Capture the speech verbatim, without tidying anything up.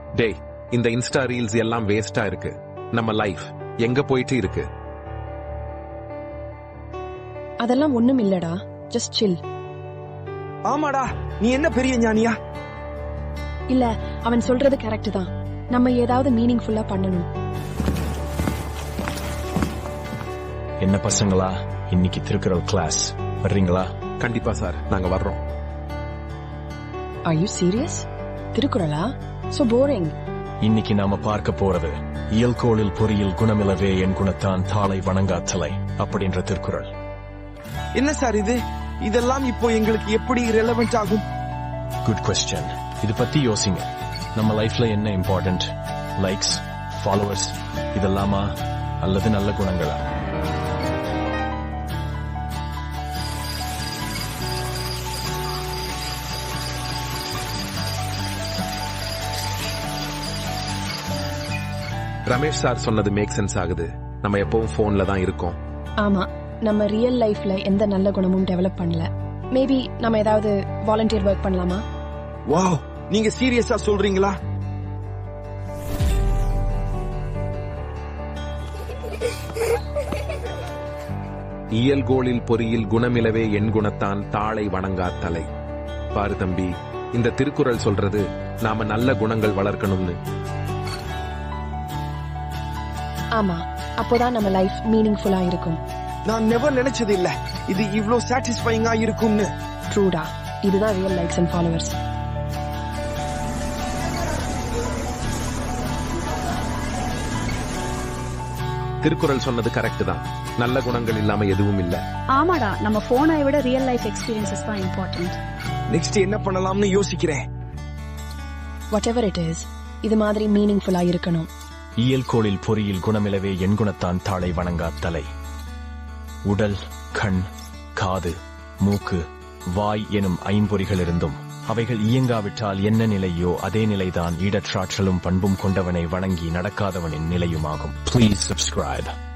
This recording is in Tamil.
டேய், இந்த இன்ஸ்டா ரீல்ஸ் எல்லாம் வேஸ்டா இருக்கு. நம்ம லைஃப் எங்க போயிட்டு இருக்கு? அதெல்லாம் ஒண்ணும் இல்லடா, ஜஸ்ட் சில். ஆமாடா, நீ என்ன பெரிய ஞானியா? இல்ல, அவன் சொல்றது கரெக்ட் தான். நம்ம ஏதாவது மீனிங்ஃபுல்லா பண்ணணும். என்ன பசங்களா, இன்னைக்கு திருக்குறள் கிளாஸ் வர்றீங்களா? கண்டிப்பா சார், நாங்க வர்றோம். Are you serious? திருக்குறளா? So boring. இன்னைக்கு நாம பார்க்க போறது இயல்கோளில் பொறியில் குணமிலவே என் குணத்தான் தாளை வணங்காத்தலை அப்படின்ற திருக்குறள். என்ன சார் இது? இதெல்லாம் இப்போ எங்களுக்கு எப்படி ரெலவென்ட் ஆகும்? Good question. இது பத்தி யோசிங்க. நம்ம லைஃப்ல என்ன இம்பார்ட்டன்ட்? லைக்ஸ், ஃபாலோவர்ஸ் இதெல்லாமா, அல்லது நல்ல குணங்களா? ரமேஷ் சார் சொன்னது மேக் சென்ஸ் ஆகுது. நம்ம எப்பவும் போன்ல தான் இருக்கோம். ஆமா, நம்ம ரியல் லைஃப்ல எந்த நல்ல குணமும் டெவலப் பண்ணல. மேபி நம்ம ஏதாவது வாலண்டியர் ஒர்க் பண்ணலாமா? வாவ், நீங்க சீரியஸா சொல்றீங்களா? இயல்கோளில் பொறியில் குணமிலவே என் குணத்தான் தாளை வணங்கா தலை. பாரு தம்பி, இந்த திருக்குறள் சொல்றது நாம நல்ல குணங்கள் வளர்க்கணும்னு. ஆமா, அப்போதான் நம்ம லைஃப் மீனிங்ஃபுல்லா இருக்கும். நான் நெவர் நினைச்சது இல்ல இது இவ்ளோ சாட்டிஸ்ஃபைங்கா இருக்கும்னு. ட்ரூடா, இதுதான் real likes and followers. Thirukkural சொன்னது கரெக்ட் தான். நல்ல குணங்கள் இல்லாம எதுவும் இல்ல. ஆமாடா, நம்ம போனை விட ரியல் லைஃப் எக்ஸ்பீரியன்சஸ் தான் இம்பார்ட்டன்ட். நெக்ஸ்ட் என்ன பண்ணலாம்னு யோசிக்கிறேன். Whatever it is, இது மாதிரி மீனிங்ஃபுல்லா இருக்கணும். இயல்கோளில் பொறியில் குணமிலவே என் குணத்தான் தாளை வணங்கா தலை. உடல், கண், காது, மூக்கு, வாய் எனும் ஐம்பொறிகள் இருந்தும் அவைகள் இயங்காவிட்டால் என்ன நிலையோ அதே நிலைதான் ஈடற்றாற்றலும் பண்பும் கொண்டவனை வணங்கி நடக்காதவனின் நிலையுமாகும். Please subscribe.